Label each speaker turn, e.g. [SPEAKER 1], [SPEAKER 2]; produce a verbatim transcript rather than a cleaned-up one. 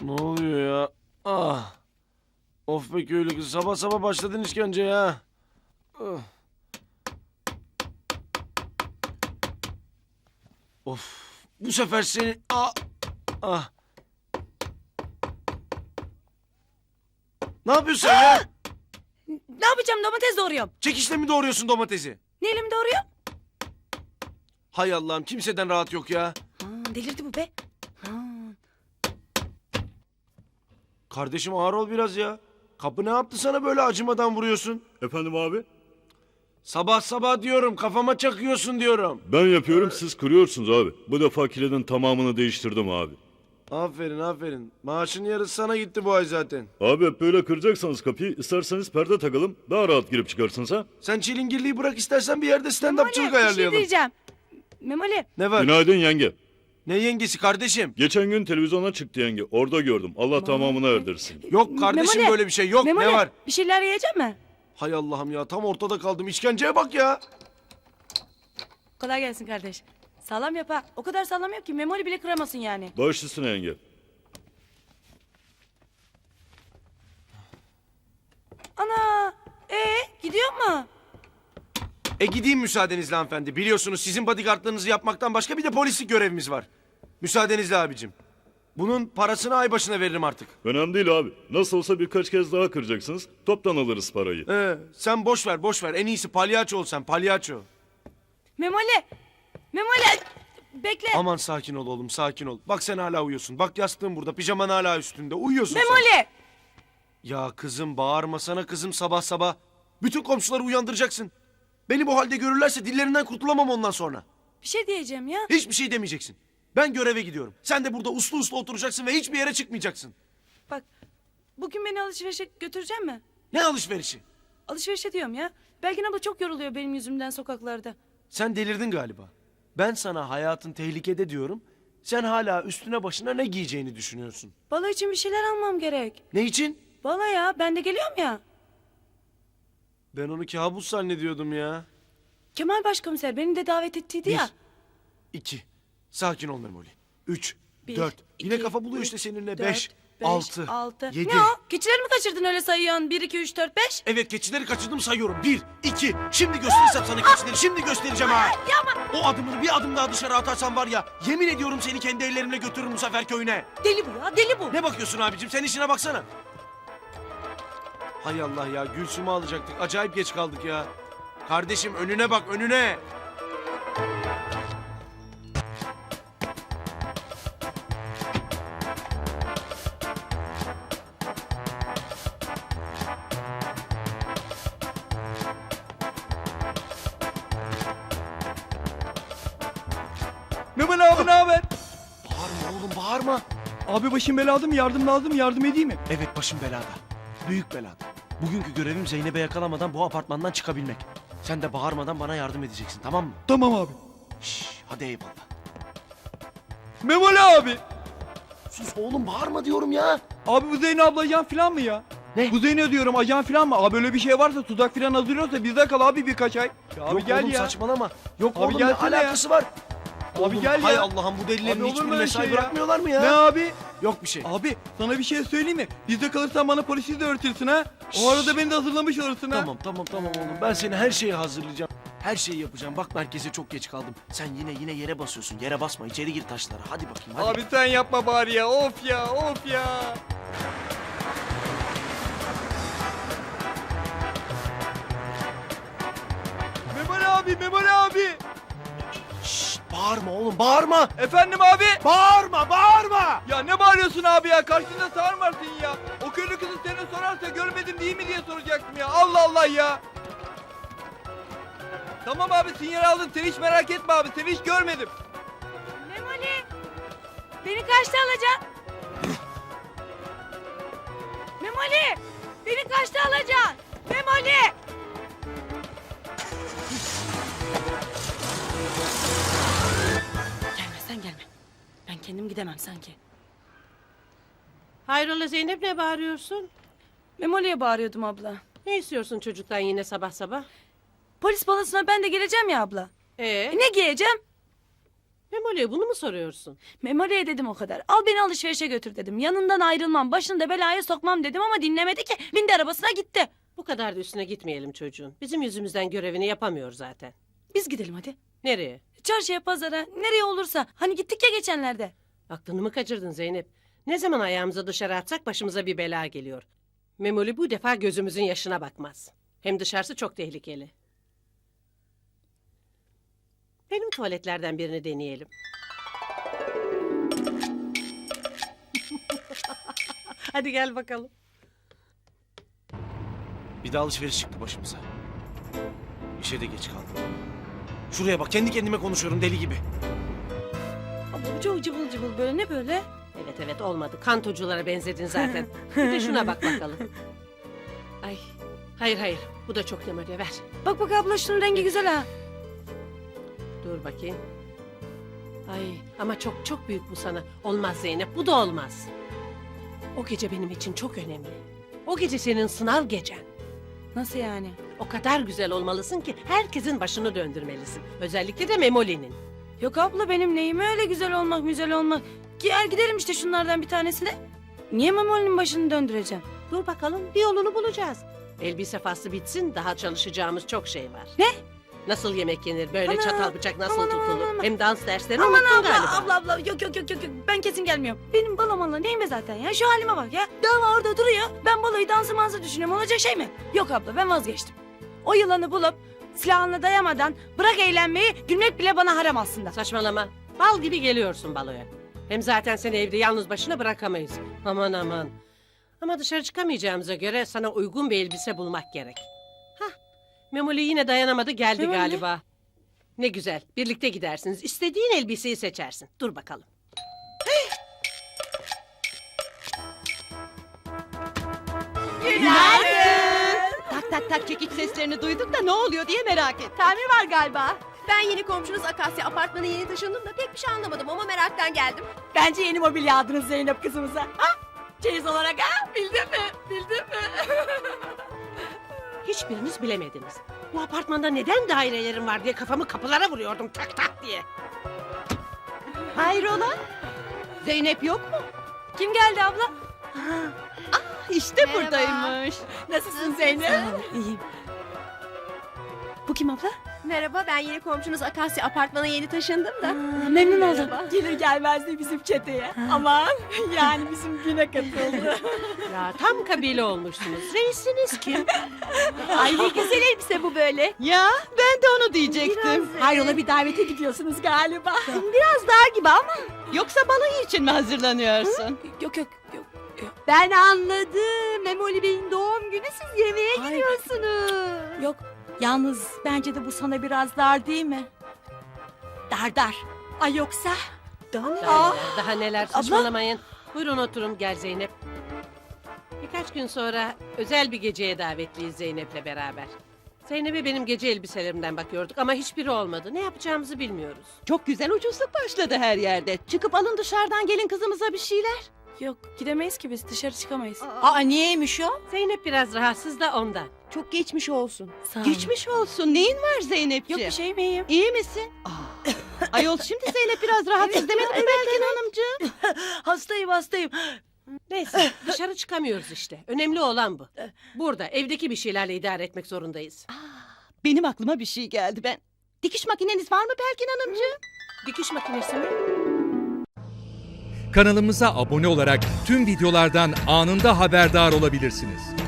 [SPEAKER 1] Ne oluyor ya? Ah. Of be köylü kız. Sabah sabah başladın işkence ya. Ah. Of. Bu sefer seni... Ah. Ah. Ne yapıyorsun sen ya?
[SPEAKER 2] Ne yapacağım, domates doğruyorum.
[SPEAKER 1] Çekişle mi doğruyorsun domatesi?
[SPEAKER 2] Neyle mi doğruyorum?
[SPEAKER 1] Hay Allah'ım, kimseden rahat yok ya.
[SPEAKER 2] Ha, delirdi bu be. Ha.
[SPEAKER 1] Kardeşim ağır ol biraz ya. Kapı ne yaptı sana böyle acımadan vuruyorsun?
[SPEAKER 3] Efendim abi?
[SPEAKER 1] Sabah sabah diyorum, kafama çakıyorsun diyorum.
[SPEAKER 3] Ben yapıyorum, siz kırıyorsunuz abi. Bu defa kilidin tamamını değiştirdim abi.
[SPEAKER 1] Aferin aferin. Maaşın yarısı sana gitti bu ay zaten.
[SPEAKER 3] Abi hep böyle kıracaksanız kapıyı, isterseniz perde takalım. Daha rahat girip çıkarsınız ha.
[SPEAKER 1] Sen çilingirliği bırak, istersen bir yerde stand-upçılık
[SPEAKER 2] Memoli, bir şey
[SPEAKER 1] ayarlayalım.
[SPEAKER 2] diyeceğim. Memoli,
[SPEAKER 1] Ne var?
[SPEAKER 3] Günaydın yenge.
[SPEAKER 1] Ne yengesi kardeşim?
[SPEAKER 3] Geçen gün televizyona çıktı yenge. Orada gördüm. Allah tamamını erdirsin.
[SPEAKER 1] Yok kardeşim,
[SPEAKER 2] Memoli,
[SPEAKER 1] böyle bir şey yok.
[SPEAKER 2] Memoli,
[SPEAKER 1] Ne var?
[SPEAKER 2] bir şeyler yiyecek mi?
[SPEAKER 1] Hay Allah'ım ya, tam ortada kaldım. İşkenceye bak ya.
[SPEAKER 2] Kolay gelsin kardeş. Sağlam yap ha. O kadar sağlam yap ki Memoli bile kıramasın yani.
[SPEAKER 3] Baş üstüne yenge.
[SPEAKER 2] Ana, ee gidiyor mu?
[SPEAKER 1] E gideyim müsaadenizle hanımefendi. Biliyorsunuz sizin bodyguardlığınızı yapmaktan başka bir de polislik görevimiz var. Müsaadenizle abicim. Bunun parasını ay başına veririm artık.
[SPEAKER 3] Önemli değil abi. Nasıl olsa birkaç kez daha kıracaksınız. Toptan alırız parayı.
[SPEAKER 1] Ee, sen boş ver boş ver. En iyisi palyaço ol sen, palyaço.
[SPEAKER 2] Memoli, Memoli, bekle.
[SPEAKER 1] Aman sakin ol oğlum, sakin ol. Bak sen hala uyuyorsun. Bak yastığın burada, pijaman hala üstünde. Uyuyorsun sen.
[SPEAKER 2] Memoli.
[SPEAKER 1] Ya kızım, bağırmasana kızım sabah sabah. Bütün komşuları uyandıracaksın. Beni bu halde görürlerse dillerinden kurtulamam ondan sonra.
[SPEAKER 2] Bir şey diyeceğim ya.
[SPEAKER 1] Hiçbir şey demeyeceksin. Ben göreve gidiyorum. Sen de burada uslu uslu oturacaksın ve hiçbir yere çıkmayacaksın.
[SPEAKER 2] Bak, bugün beni alışverişe götürecek mi?
[SPEAKER 1] Ne alışverişi?
[SPEAKER 2] Alışverişe diyorum ya. Belgin abla çok yoruluyor benim yüzümden sokaklarda.
[SPEAKER 1] Sen delirdin galiba. Ben sana hayatın tehlikede diyorum. Sen hala üstüne başına ne giyeceğini düşünüyorsun.
[SPEAKER 2] Balo için bir şeyler almam gerek.
[SPEAKER 1] Ne için?
[SPEAKER 2] Balo ya, ben de geliyorum ya.
[SPEAKER 1] Ben onu kabus zannediyordum ya.
[SPEAKER 2] Kemal Başkomiser beni de davet ettiydi ya.
[SPEAKER 1] İki. Sakin ol Memoli. Üç.
[SPEAKER 2] Bir,
[SPEAKER 1] dört. Yine
[SPEAKER 2] iki,
[SPEAKER 1] kafa buluyor
[SPEAKER 2] üç,
[SPEAKER 1] işte seninle.
[SPEAKER 2] dört,
[SPEAKER 1] Beş. Altı.
[SPEAKER 2] altı.
[SPEAKER 1] Yedi.
[SPEAKER 2] Ne o? Keçileri mi kaçırdın öyle sayıyorsun? Bir, iki, üç, dört, beş.
[SPEAKER 1] Evet, keçileri kaçırdım sayıyorum. Bir, iki. Şimdi gösterirsem sana keçileri. Şimdi göstereceğim ha.
[SPEAKER 2] Yapma.
[SPEAKER 1] O adımını bir adım daha dışarı atarsan var ya. Yemin ediyorum seni kendi ellerimle götürürüm bu sefer köyüne.
[SPEAKER 2] Deli bu ya, deli bu.
[SPEAKER 1] Ne bakıyorsun abicim? Sen işine baksana. Hay Allah ya. Gülsüm'ü alacaktık. Acayip geç kaldık ya. Kardeşim önüne bak, önüne.
[SPEAKER 4] Memoli abi ne haber?
[SPEAKER 1] Bağırma oğlum, bağırma.
[SPEAKER 4] Abi başım belada mı? Yardım lazım, yardım edeyim mi?
[SPEAKER 1] Evet, başım belada. Büyük belada. Bugünkü görevim Zeynep'e yakalamadan bu apartmandan çıkabilmek. Sen de bağırmadan bana yardım edeceksin, tamam mı?
[SPEAKER 4] Tamam abi.
[SPEAKER 1] Şşş, hadi eyvallah.
[SPEAKER 4] Memoli abi.
[SPEAKER 1] Sus oğlum, bağırma diyorum ya.
[SPEAKER 4] Abi bu Zeyno abla ajan falan mı ya?
[SPEAKER 1] Ne?
[SPEAKER 4] Bu Zeyno diyorum ajan falan mı? Abi öyle bir şey varsa tuzak falan hazırlıyorsa bizde kal abi birkaç ay. Ya abi
[SPEAKER 1] Yok
[SPEAKER 4] gel
[SPEAKER 1] oğlum,
[SPEAKER 4] ya.
[SPEAKER 1] saçmalama. Yok
[SPEAKER 4] Abi
[SPEAKER 1] oğlum, ne
[SPEAKER 4] gelsene ya.
[SPEAKER 1] alakası var?
[SPEAKER 4] Abi
[SPEAKER 1] Oğlum,
[SPEAKER 4] gel
[SPEAKER 1] hay
[SPEAKER 4] ya.
[SPEAKER 1] Allah'ım, bu delilerin
[SPEAKER 4] Abi olur mu
[SPEAKER 1] hiçbiri
[SPEAKER 4] öyle
[SPEAKER 1] mesai
[SPEAKER 4] şey ya?
[SPEAKER 1] bırakmıyorlar mı ya?
[SPEAKER 4] Ne abi?
[SPEAKER 1] Yok bir şey.
[SPEAKER 4] Abi sana bir şey söyleyeyim mi? Bizde kalırsan bana polisi de öğretirsin ha. O arada beni de hazırlamış olursun ha.
[SPEAKER 1] Tamam tamam tamam oğlum, ben seni her şeye hazırlayacağım. Her şeyi yapacağım. Bak, merkeze çok geç kaldım. Sen yine yine yere basıyorsun. Yere basma, içeri gir taşlara. Hadi bakayım hadi.
[SPEAKER 4] Abi sen yapma bari ya. Of ya, of ya. Memoli abi, Memoli abi.
[SPEAKER 1] Şşt, bağırma oğlum, bağırma.
[SPEAKER 4] Efendim abi.
[SPEAKER 1] Bağırma, bağırma.
[SPEAKER 4] Ya ne bağırıyorsun abi ya? Karşında sağır varsın ya. O köylü kızı seni sorarsa görmedim değil mi diye soracaktım ya. Allah Allah ya. Tamam abi, sinyal aldım. Sen hiç merak etme abi. Seni hiç görmedim.
[SPEAKER 2] Memoli, beni kaçta alacaksın? Memoli, beni kaçta alacaksın? Memoli. Gelme, sen gelme. Ben kendim gidemem sanki.
[SPEAKER 5] Hayrola Zeynep, ne bağırıyorsun?
[SPEAKER 2] Memoli'ye bağırıyordum abla.
[SPEAKER 5] Ne istiyorsun çocuktan yine sabah sabah?
[SPEAKER 2] Polis balosuna ben de geleceğim ya abla.
[SPEAKER 5] Ee,
[SPEAKER 2] E ne giyeceğim?
[SPEAKER 5] Memoli'ye bunu mu soruyorsun?
[SPEAKER 2] Memoli'ye dedim o kadar. Al beni alışverişe götür dedim. Yanından ayrılmam, başını da belaya sokmam dedim ama dinlemedi ki. Bindi arabasına gitti.
[SPEAKER 5] Bu kadar da üstüne gitmeyelim çocuğun. Bizim yüzümüzden görevini yapamıyor zaten.
[SPEAKER 2] Biz gidelim hadi.
[SPEAKER 5] Nereye?
[SPEAKER 2] Çarşıya, pazara, nereye olursa. Hani gittik ya geçenlerde.
[SPEAKER 5] Aklını mı kaçırdın Zeynep? Ne zaman ayağımızı dışarı atsak başımıza bir bela geliyor. Memoli bu defa gözümüzün yaşına bakmaz. Hem dışarısı çok tehlikeli. Benim tuvaletlerden birini deneyelim. Hadi gel bakalım.
[SPEAKER 1] Bir de alışveriş çıktı başımıza. İşe de geç kaldım. Şuraya bak, kendi kendime konuşuyorum deli gibi.
[SPEAKER 2] Abla bu çok cıvıl cıvıl böyle, ne böyle?
[SPEAKER 5] Evet evet olmadı. Kantoculara benzedin zaten. Bir de şuna bak bakalım. Ay. Hayır hayır. Bu da çok Memoli, ver.
[SPEAKER 2] Bak bak abla, şunun rengi güzel ha.
[SPEAKER 5] Dur bakayım. Ay ama çok çok büyük bu sana. Olmaz Zeynep, bu da olmaz. O gece benim için çok önemli. O gece senin sınav gecen.
[SPEAKER 2] Nasıl yani?
[SPEAKER 5] O kadar güzel olmalısın ki herkesin başını döndürmelisin. Özellikle de Memoli'nin.
[SPEAKER 2] Yok abla, benim neyime öyle güzel olmak güzel olmak. Gel gidelim işte şunlardan bir tanesine. Niye Memoli'nin başını döndüreceğim?
[SPEAKER 5] Dur bakalım, bir yolunu bulacağız. Elbise faslı bitsin, daha çalışacağımız çok şey var.
[SPEAKER 2] Ne?
[SPEAKER 5] Nasıl yemek yenir, böyle
[SPEAKER 2] Ana,
[SPEAKER 5] çatal bıçak nasıl
[SPEAKER 2] aman,
[SPEAKER 5] tutulur.
[SPEAKER 2] aman, aman.
[SPEAKER 5] Hem dans derslerini
[SPEAKER 2] Aman
[SPEAKER 5] unuttun
[SPEAKER 2] abla,
[SPEAKER 5] galiba.
[SPEAKER 2] abla abla, yok yok yok yok yok. Ben kesin gelmiyorum. Benim balamala neyime zaten ya, şu halime bak ya. Dava orada duruyor. Ben balayı dansı mansı düşünüyorum, olacak şey mi? Yok abla, ben vazgeçtim. O yılanı bulup silahını dayamadan bırak eğlenmeyi, gülmek bile bana haram aslında.
[SPEAKER 5] Saçmalama. Bal gibi geliyorsun baloya. Hem zaten seni evde yalnız başına bırakamayız. Aman aman. Ama dışarı çıkamayacağımıza göre sana uygun bir elbise bulmak gerek. Hah. Memoli yine dayanamadı, geldi
[SPEAKER 2] Memoli?
[SPEAKER 5] galiba. Ne güzel. Birlikte gidersiniz. İstediğin elbiseyi seçersin. Dur bakalım.
[SPEAKER 6] Tak tak tak çekiç seslerini duyduk da ne oluyor diye merak ettim.
[SPEAKER 7] Tamir var galiba. Ben yeni komşunuz Akasya apartmanı yeni taşındım da pek bir şey anlamadım ama meraktan geldim.
[SPEAKER 2] Bence yeni mobilya aldınız Zeynep kızımıza. Ha? Çeyiz olarak ha? Bildin mi? Bildin mi?
[SPEAKER 5] Hiçbiriniz bilemediniz. Bu apartmanda neden dairelerim var diye kafamı kapılara vuruyordum tak tak diye.
[SPEAKER 6] Hayrola? Zeynep yok mu?
[SPEAKER 2] Kim geldi abla?
[SPEAKER 6] İşte
[SPEAKER 7] Merhaba.
[SPEAKER 6] buradaymış.
[SPEAKER 2] Nasılsın Zeynep? İyiyim. Bu kim abla?
[SPEAKER 7] Merhaba, ben yeni komşunuz Akasya apartmanı yeni taşındım da.
[SPEAKER 2] Aa, memnun oldum.
[SPEAKER 7] Merhaba.
[SPEAKER 2] Gelir gelmez de bizim çeteye. Aman yani bizim güne katıldı.
[SPEAKER 5] Ya tam kabile olmuşsunuz. Reisiniz kim?
[SPEAKER 7] Ay ne güzel elbise bu böyle.
[SPEAKER 6] Ya ben de onu diyecektim.
[SPEAKER 2] Hayrola, bir davete gidiyorsunuz galiba.
[SPEAKER 6] Biraz daha gibi ama. Yoksa balayı için mi hazırlanıyorsun?
[SPEAKER 2] Yok yok yok.
[SPEAKER 7] Ben anladım. Memoli Bey'in doğum günü, siz yemeğe
[SPEAKER 2] Hayır.
[SPEAKER 7] gidiyorsunuz.
[SPEAKER 2] Yok. Yalnız bence de bu sana biraz dar değil mi? Dar dar. Ay yoksa?
[SPEAKER 5] Daha neler, daha neler saçmalamayın. Buyurun oturun, gel Zeynep. Birkaç gün sonra özel bir geceye davetliyiz Zeynep'le beraber. Zeynep'e benim gece elbiselerimden bakıyorduk ama hiçbiri olmadı. Ne yapacağımızı bilmiyoruz.
[SPEAKER 6] Çok güzel ucuzluk başladı her yerde. Çıkıp alın dışarıdan gelin kızımıza bir şeyler.
[SPEAKER 2] Yok, gidemeyiz ki biz, dışarı çıkamayız.
[SPEAKER 6] Aa niyeymiş o?
[SPEAKER 5] Zeynep biraz rahatsız da ondan.
[SPEAKER 7] Çok geçmiş olsun.
[SPEAKER 2] Sağ olun.
[SPEAKER 6] Geçmiş olsun. Neyin var Zeynepciğim?
[SPEAKER 2] Yok bir şey miyim?
[SPEAKER 6] İyi misin? Aa. Ayol şimdi Zeynep biraz rahatsız demedi mi Belgin Hanımcığım?
[SPEAKER 2] Hastayım hastayım.
[SPEAKER 5] Neyse dışarı çıkamıyoruz işte. Önemli olan bu. Burada evdeki bir şeylerle idare etmek zorundayız.
[SPEAKER 6] Benim aklıma bir şey geldi ben. Dikiş makineniz var mı Belgin Hanımcığım?
[SPEAKER 5] Dikiş makinesi mi?
[SPEAKER 8] Kanalımıza abone olarak tüm videolardan anında haberdar olabilirsiniz.